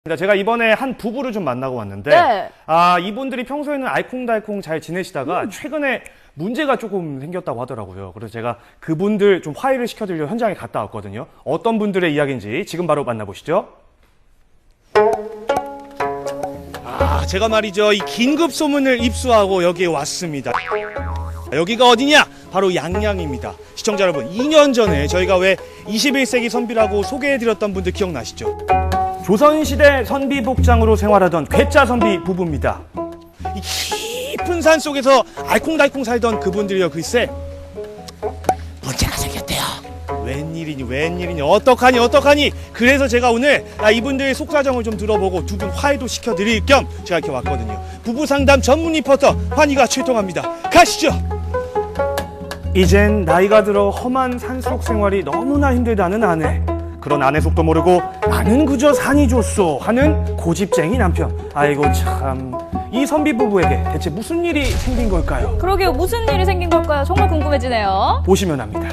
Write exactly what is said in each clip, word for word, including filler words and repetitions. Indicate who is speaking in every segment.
Speaker 1: 제가 이번에 한 부부를 좀 만나고 왔는데
Speaker 2: 네.
Speaker 1: 아 이분들이 평소에는 알콩달콩 잘 지내시다가 음. 최근에 문제가 조금 생겼다고 하더라고요. 그래서 제가 그분들 좀 화해를 시켜드리려 현장에 갔다 왔거든요. 어떤 분들의 이야기인지 지금 바로 만나보시죠. 아 제가 말이죠, 이 긴급 소문을 입수하고 여기에 왔습니다. 여기가 어디냐? 바로 양양입니다. 시청자 여러분, 이 년 전에 저희가 왜 이십일 세기 선비라고 소개해드렸던 분들 기억나시죠? 조선시대 선비 복장으로 생활하던 괴짜 선비 부부입니다. 이 깊은 산 속에서 알콩달콩 살던 그분들이요, 글쎄 문제가 생겼대요. 웬일이니 웬일이니 어떡하니 어떡하니. 그래서 제가 오늘 이분들의 속사정을 좀 들어보고 두 분 화해도 시켜드릴 겸 제가 이렇게 왔거든요. 부부 상담 전문 리포터 환희가 출동합니다. 가시죠. 이젠 나이가 들어 험한 산속 생활이 너무나 힘들다는 아내. 그런 아내 속도 모르고 나는 그저 산이 좋소 하는 고집쟁이 남편. 아이고 참, 이 선비 부부에게 대체 무슨 일이 생긴 걸까요?
Speaker 2: 그러게요, 무슨 일이 생긴 걸까요? 정말 궁금해지네요.
Speaker 1: 보시면 압니다.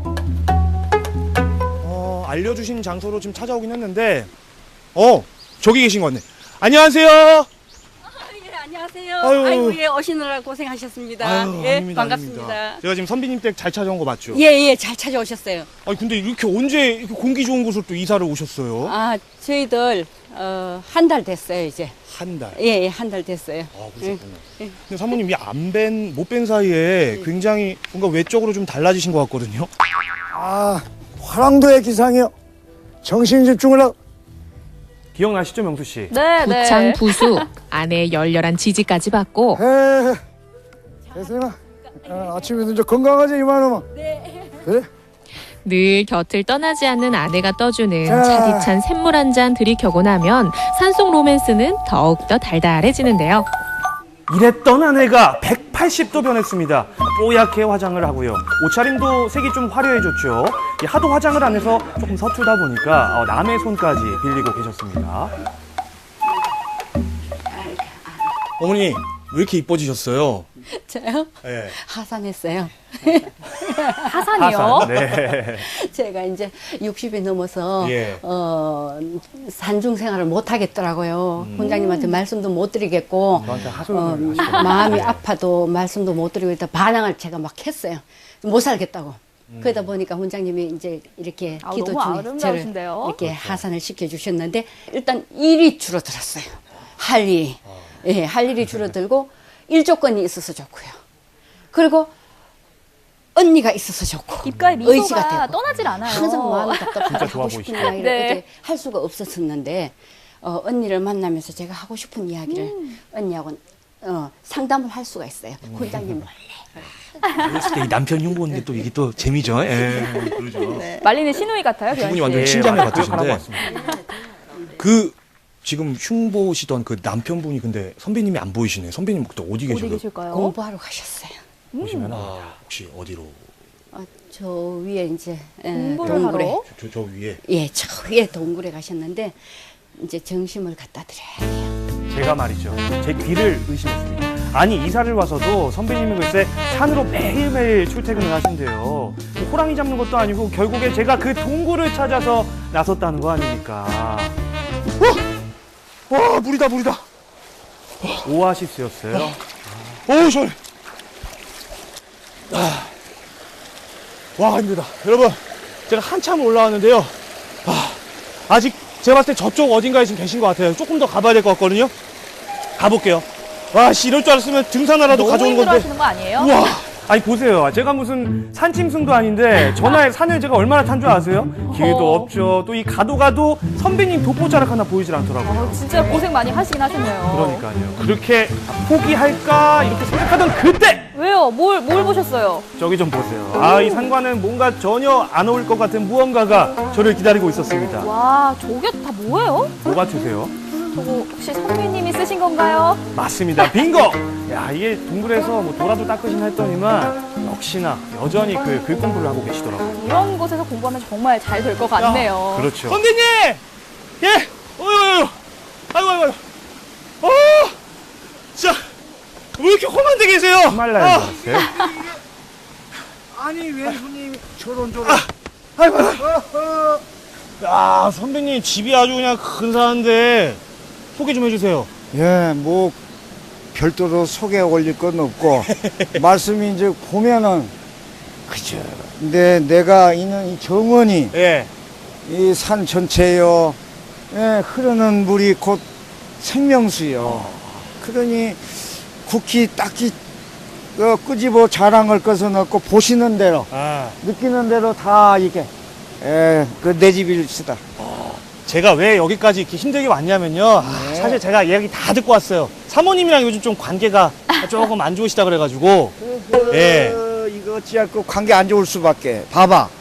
Speaker 1: 어, 알려주신 장소로 지금 찾아오긴 했는데 어, 저기 계신 것 같네. 안녕하세요.
Speaker 3: 예, 안녕하세요.
Speaker 1: 아유.
Speaker 3: 아이고, 예, 오시느라 고생하셨습니다.
Speaker 1: 아유,
Speaker 3: 예,
Speaker 1: 아닙니다,
Speaker 3: 반갑습니다.
Speaker 1: 아닙니다. 제가 지금 선비님 댁 잘 찾아온 거 맞죠?
Speaker 3: 예, 예, 잘 찾아오셨어요.
Speaker 1: 아니 근데 이렇게 언제 이렇게 공기 좋은 곳으로 또 이사를 오셨어요?
Speaker 3: 아, 저희들 어, 한 달 됐어요, 이제.
Speaker 1: 한 달.
Speaker 3: 예, 예, 한 달 됐어요.
Speaker 1: 아, 그러셨구나.
Speaker 3: 예, 예.
Speaker 1: 근데 사모님 이 안 뵌, 못 뵌 사이에 굉장히 뭔가 외적으로 좀 달라지신 것 같거든요.
Speaker 4: 아, 화랑도의 기상이요. 정신 집중을 하고.
Speaker 1: 기억나시죠, 명수 씨?
Speaker 2: 네,
Speaker 5: 부창
Speaker 2: 네.
Speaker 5: 부수, 아내의 열렬한 지지까지 받고
Speaker 4: 에, 대생아, 어, 아침에도 이제 건강하지 이만하면. 네. 그래?
Speaker 5: 늘 곁을 떠나지 않는 아내가 떠주는
Speaker 4: 자.
Speaker 5: 차디찬 샘물 한 잔 들이켜고 나면 산속 로맨스는 더욱더 달달해지는데요.
Speaker 1: 이랬던 아내가 백팔십 도 변했습니다. 뽀얗게 화장을 하고요. 옷차림도 색이 좀 화려해졌죠. 이 하도 화장을 안 해서 조금 서툴다 보니까 어, 남의 손까지 빌리고 계셨습니다. 어머니, 왜 이렇게 이뻐지셨어요?
Speaker 3: 저요?
Speaker 1: 네.
Speaker 3: 하산했어요.
Speaker 2: 하산이요?
Speaker 1: 하산. 네.
Speaker 3: 제가 이제 육십이 넘어서
Speaker 1: 예.
Speaker 3: 어, 산중 생활을 못 하겠더라고요.
Speaker 1: 음.
Speaker 3: 원장님한테 말씀도 못 드리겠고
Speaker 1: 저한테
Speaker 3: 어,
Speaker 1: 하소연을 하시더라고요.
Speaker 3: 마음이
Speaker 1: 네.
Speaker 3: 아파도 말씀도 못 드리고 일단 반항을 제가 막 했어요. 못 살겠다고.
Speaker 1: 음.
Speaker 3: 그러다 보니까 원장님이 이제 이렇게
Speaker 2: 아우,
Speaker 3: 기도
Speaker 2: 너무
Speaker 3: 중에 저를
Speaker 2: 아름다우신데요?
Speaker 3: 이렇게
Speaker 1: 그렇죠.
Speaker 3: 하산을 시켜주셨는데 일단 일이 줄어들었어요. 할 일이.
Speaker 1: 아.
Speaker 3: 예, 할 일이 줄어들고 일 조건이 있어서 좋고요. 그리고 언니가 있어서 좋고
Speaker 2: 입가에
Speaker 3: 의지가
Speaker 2: 미소가
Speaker 3: 되고.
Speaker 2: 떠나질 않아요.
Speaker 3: 항상 마음이
Speaker 1: 진짜
Speaker 3: 답답하고
Speaker 1: 좋아
Speaker 3: 하고 싶은
Speaker 1: 보이시죠?
Speaker 3: 이야기를
Speaker 2: 네.
Speaker 3: 어제 할 수가 없었었는데 어, 언니를 만나면서 제가 하고 싶은 이야기를
Speaker 2: 음.
Speaker 3: 언니하고 어, 상담을 할 수가 있어요.
Speaker 1: 음.
Speaker 3: 원장님
Speaker 1: 그랬을 때 이 남편 흉보는 게 또 이게 또 재미죠. 예. 그러죠.
Speaker 2: 말리는 시누이 같아요,
Speaker 1: 두
Speaker 2: 교환
Speaker 1: 분이
Speaker 2: 씨.
Speaker 1: 완전 친자매 같으신데.
Speaker 2: 같습니다.
Speaker 1: 그 지금 흉보시던 그 남편분이 근데 선배님이 안 보이시네. 선배님 그때 어디
Speaker 2: 어디
Speaker 1: 계셔요?
Speaker 2: 계실까요?
Speaker 3: 공부하러 가셨어요.
Speaker 1: 보시면 아, 혹시 어디로?
Speaker 3: 어, 저 위에 이제 에,
Speaker 2: 공부를
Speaker 3: 동굴에
Speaker 2: 하러?
Speaker 1: 저, 저 위에.
Speaker 3: 예, 저 위에 동굴에 가셨는데 이제 정심을 갖다 드려야 돼요.
Speaker 1: 제가 말이죠, 제 귀를 의심했습니다. 아니 이사를 와서도 선배님은 글쎄 산으로 매일매일 출퇴근을 하신대요. 뭐 호랑이 잡는 것도 아니고 결국에 제가 그 동굴을 찾아서 나섰다는 거 아닙니까? 어? 와 물이다 물이다. 오아시스였어요. 어우 시원해. 아. 와 힘들다. 여러분 제가 한참 올라왔는데요. 아, 아직 제가 봤을 때 저쪽 어딘가에 지금 계신 것 같아요. 조금 더 가봐야 될 것 같거든요. 가볼게요. 와, 씨, 이럴 줄 알았으면 등산하라도
Speaker 2: 너무
Speaker 1: 가져온 건데.
Speaker 2: 힘들어하시는 거 아니에요?
Speaker 1: 우와. 아니, 보세요. 제가 무슨 산짐승도 아닌데, 전화에 산을 제가 얼마나 탄 줄 아세요? 길도 없죠. 또 이 가도 가도 선배님 돋보자락 하나 보이질 않더라고요.
Speaker 2: 어, 진짜 고생 많이 하시긴 하셨네요.
Speaker 1: 그러니까요. 그렇게 포기할까? 이렇게 생각하던 그때!
Speaker 2: 왜요? 뭘, 뭘 보셨어요?
Speaker 1: 저기 좀 보세요. 아, 이 산과는 뭔가 전혀 안 어울릴 것 같은 무언가가 저를 기다리고 있었습니다.
Speaker 2: 와, 저게 다 뭐예요?
Speaker 1: 뭐 같으세요?
Speaker 2: 저거 혹시 선배님이 쓰신 건가요?
Speaker 1: 맞습니다. 빙고! 야, 이게 동굴에서 뭐 도라도 닦으시나 했더니만 역시나 여전히 그 글 공부를 하고 계시더라고요.
Speaker 2: 이런 곳에서 공부하면 정말 잘 될 것 같네요.
Speaker 1: 그렇죠. 선배님! 예! 어유, 아이고, 아이고, 아이고. 어! 진짜, 왜 이렇게 험한 데 계세요? 정말 날
Speaker 4: 아.
Speaker 1: 줄 알았어요.
Speaker 4: 아니 왜 손님이 저런 저런.
Speaker 1: 아이고, 아이고.
Speaker 4: 어허.
Speaker 1: 야, 선배님 집이 아주 그냥 근사한데 소개 좀 해주세요.
Speaker 4: 예, 뭐 별도로 소개 올릴 건 없고 말씀이 이제 보면은 그죠. 근데 내가 있는 이 정원이
Speaker 1: 예.
Speaker 4: 이 산 전체요, 예, 흐르는 물이 곧 생명수요. 그러니 국히 딱히 어, 끄집어 자랑할 것은 없고 보시는 대로
Speaker 1: 아,
Speaker 4: 느끼는 대로 다 이게 예, 그 내 집일시다.
Speaker 1: 제가 왜 여기까지 이렇게 힘들게 왔냐면요. 아,
Speaker 4: 네.
Speaker 1: 사실 제가 이야기 다 듣고 왔어요. 사모님이랑 요즘 좀 관계가 조금 안 좋으시다 그래가지고. 예.
Speaker 4: 어, 이거 어찌할 거 관계 안 좋을 수밖에. 봐봐.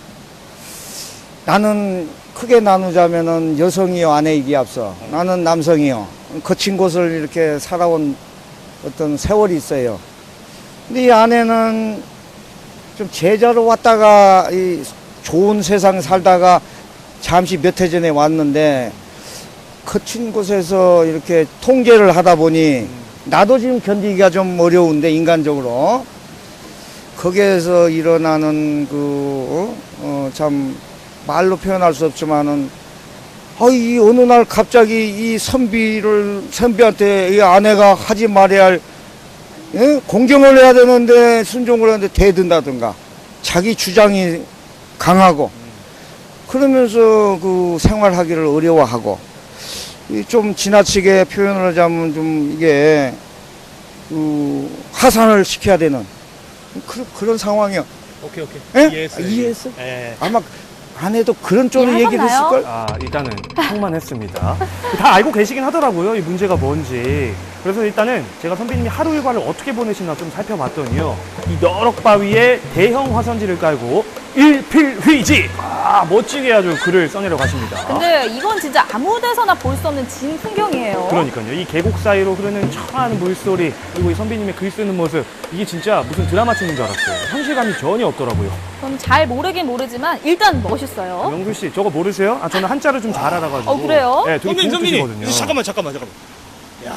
Speaker 4: 나는 크게 나누자면은 여성이요, 아내이기 앞서. 나는 남성이요. 거친 곳을 이렇게 살아온 어떤 세월이 있어요. 근데 이 아내는 좀 제자로 왔다가 이 좋은 세상 살다가 잠시 몇 해 전에 왔는데 거친 곳에서 이렇게 통제를 하다 보니 나도 지금 견디기가 좀 어려운데 인간적으로 거기에서 일어나는 그, 어, 참 말로 표현할 수 없지만은 아, 이 어느 날 갑자기 이 선비를, 선비한테 이 아내가 하지 말아야 할, 예? 공경을 해야 되는데 순종을 하는데 대든다든가 자기 주장이 강하고 그러면서 그 생활하기를 어려워하고 이 좀 지나치게 표현을 하자면 좀 이게 그 하산을 시켜야 되는 그, 그런 상황이요.
Speaker 1: 오케이, 오케이.
Speaker 4: 예?
Speaker 1: 이해했어요.
Speaker 4: 아, 이해했어?
Speaker 1: 예.
Speaker 4: 아마 아내도 그런 쪽으로 얘기를
Speaker 2: 이해하셨나요?
Speaker 4: 했을걸?
Speaker 1: 아, 일단은 상만했습니다. 다 알고 계시긴 하더라고요, 이 문제가 뭔지. 그래서 일단은 제가 선배님이 하루 일과를 어떻게 보내시나 좀 살펴봤더니요. 이 너럭바위에 대형 화선지를 깔고 일필휘지! 아, 멋지게 아주 글을 써내려 가십니다.
Speaker 2: 근데 이건 진짜 아무 데서나 볼 수 없는 진 풍경이에요.
Speaker 1: 그러니까요. 이 계곡 사이로 흐르는 청아한 물소리, 그리고 이 선배님의 글 쓰는 모습, 이게 진짜 무슨 드라마 찍는 줄 알았어요. 현실감이 전혀 없더라고요.
Speaker 2: 전 잘 모르긴 모르지만 일단 멋있어요.
Speaker 1: 영수 씨, 저거 모르세요? 아, 저는 한자를 좀 잘 알아가지고.
Speaker 2: 어, 그래요?
Speaker 1: 네, 되게
Speaker 6: 선배님,
Speaker 1: 좋은
Speaker 6: 선배님.
Speaker 1: 뜻이거든요.
Speaker 6: 잠깐만, 잠깐만, 잠깐만. 야,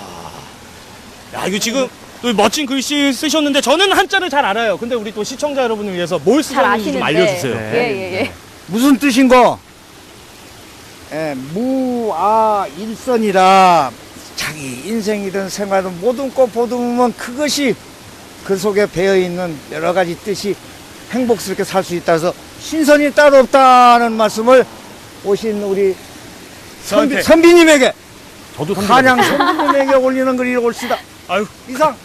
Speaker 6: 야, 이거 지금 또 멋진 글씨 쓰셨는데 저는 한자를 잘 알아요. 근데 우리 또 시청자 여러분을 위해서 뭘
Speaker 2: 잘
Speaker 6: 쓰셨는지 좀
Speaker 2: 아시는데.
Speaker 6: 알려주세요.
Speaker 1: 네.
Speaker 2: 예, 예, 예.
Speaker 4: 무슨 뜻인고? 예, 무아 일선이라 자기 인생이든 생활이든 모든 것 보듬으면 그것이 그 속에 배어있는 여러 가지 뜻이 행복스럽게 살 수 있다 해서 신선이 따로 없다는 말씀을 오신 우리 선비,
Speaker 6: 저한테.
Speaker 4: 선비님에게
Speaker 1: 저도 선배님.
Speaker 4: 한양 선비님에게 올리는 글이 옳시다.
Speaker 6: 아유,
Speaker 4: 이상.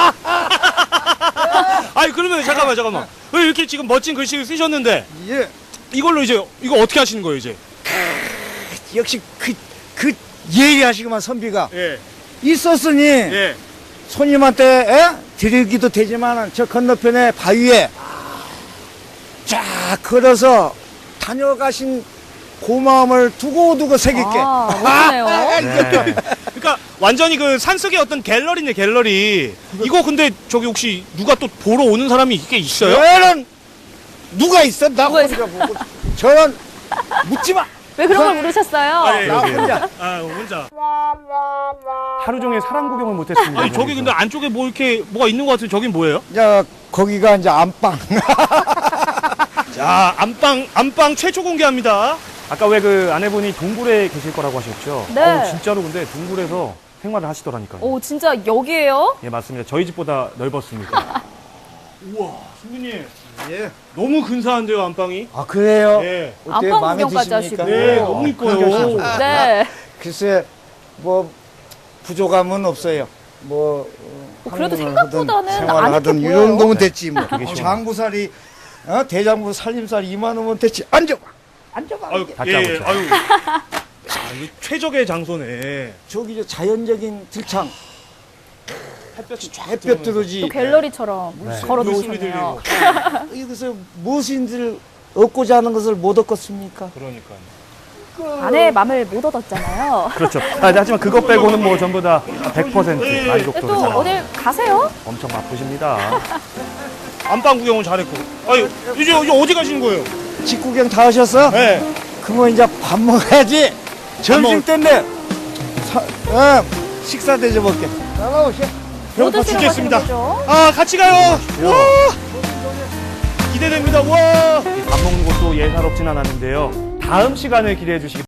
Speaker 6: 아니 그러면 잠깐만, 잠깐만. 왜 이렇게 지금 멋진 글씨를 쓰셨는데
Speaker 4: 예,
Speaker 6: 이걸로 이제 이거 어떻게 하시는 거예요, 이제?
Speaker 4: 역시 그, 그 예리하시구만 선비가.
Speaker 6: 예,
Speaker 4: 있었으니
Speaker 6: 예.
Speaker 4: 손님한테 에? 드리기도 되지만 저 건너편에 바위에 쫙 걸어서 다녀가신 고마움을 두고두고 새길게.
Speaker 2: 아, 멋지네요.
Speaker 1: 네.
Speaker 6: 그러니까 완전히 그 산속의 어떤 갤러리네, 갤러리. 이거 근데 저기 혹시 누가 또 보러 오는 사람이 이게 있어요?
Speaker 4: 저는 누가 있어? 나
Speaker 2: 누가
Speaker 4: 혼자 보고. 저는 묻지 마.
Speaker 2: 왜 그런 걸 물으셨어요?
Speaker 6: 아, 예.
Speaker 4: 나 혼자.
Speaker 6: 아, 혼자.
Speaker 1: 하루 종일 사람 구경을 못했습니다.
Speaker 6: 아니 저기 근데 안쪽에 뭐 이렇게 뭐가 있는 것 같은데 저긴 뭐예요?
Speaker 4: 자, 거기가 이제 안방.
Speaker 6: 자, 안방 안방 최초 공개합니다.
Speaker 1: 아까 왜 그 아내분이 동굴에 계실 거라고 하셨죠?
Speaker 2: 네.
Speaker 1: 어우, 진짜로 근데 동굴에서 생활을 하시더라니까요.
Speaker 2: 오, 진짜 여기에요?
Speaker 1: 예, 맞습니다. 저희 집보다 넓었습니다.
Speaker 6: 우와, 선배님
Speaker 4: 예.
Speaker 6: 너무 근사한데요, 안방이?
Speaker 4: 아, 그래요?
Speaker 6: 예.
Speaker 4: 어때?
Speaker 2: 안방
Speaker 4: 마음에
Speaker 2: 구경까지
Speaker 4: 드십니까?
Speaker 2: 하시고.
Speaker 6: 네, 너무 이뻐요.
Speaker 2: 네.
Speaker 4: 글쎄, 뭐 부족함은 없어요. 뭐 어,
Speaker 2: 그래도
Speaker 4: 학문을
Speaker 2: 생각보다는
Speaker 4: 하든
Speaker 2: 안
Speaker 4: 생활을 하든
Speaker 2: 이렇게
Speaker 4: 이
Speaker 2: 보여요.
Speaker 4: 정도면 됐지 뭐.
Speaker 1: 되게 시원해요.
Speaker 4: 장부살이, 어? 대장부 살림살 이만 원면 됐지. 앉아봐. 앉아봐.
Speaker 6: 아유,
Speaker 1: 다
Speaker 6: 예,
Speaker 1: 짜고
Speaker 6: 아유. 자, 이거 최적의 장소네.
Speaker 4: 저기 저 자연적인 들창.
Speaker 6: 햇볕이 쫙
Speaker 4: 햇볕 들어오지.
Speaker 2: 또 갤러리처럼 걸어
Speaker 6: 물소리
Speaker 2: 놓으셨네요.
Speaker 4: 여기서 무엇인지를 얻고자 하는 것을 못 얻겠습니까?
Speaker 6: 그러니까요.
Speaker 2: 아내의 맘을 못 얻었잖아요.
Speaker 1: 그렇죠. 아, 하지만 그것 빼고는 뭐 전부 다 백 퍼센트
Speaker 6: 예, 예.
Speaker 2: 근데 또
Speaker 1: 만족도로
Speaker 2: 어딜 가세요?
Speaker 1: 엄청 바쁘십니다.
Speaker 6: 안방 구경은 잘했고. 아유, 이제, 이제 어디 가시는 거예요?
Speaker 4: 직구경 다 하셨어?
Speaker 6: 네.
Speaker 4: 그러면 이제 밥 먹어야지. 점심
Speaker 6: 먹-
Speaker 4: 때인데 사, 어, 식사 대접할게. 따라오시오.
Speaker 2: 뭐
Speaker 6: 배고파
Speaker 2: 드시러 가시는
Speaker 6: 죽겠습니다.
Speaker 2: 거죠?
Speaker 6: 아, 같이 가요. 와! 기대됩니다. 와!
Speaker 1: 밥 먹는 것도 예사롭진 않았는데요. 다음 시간을 기대해 주시기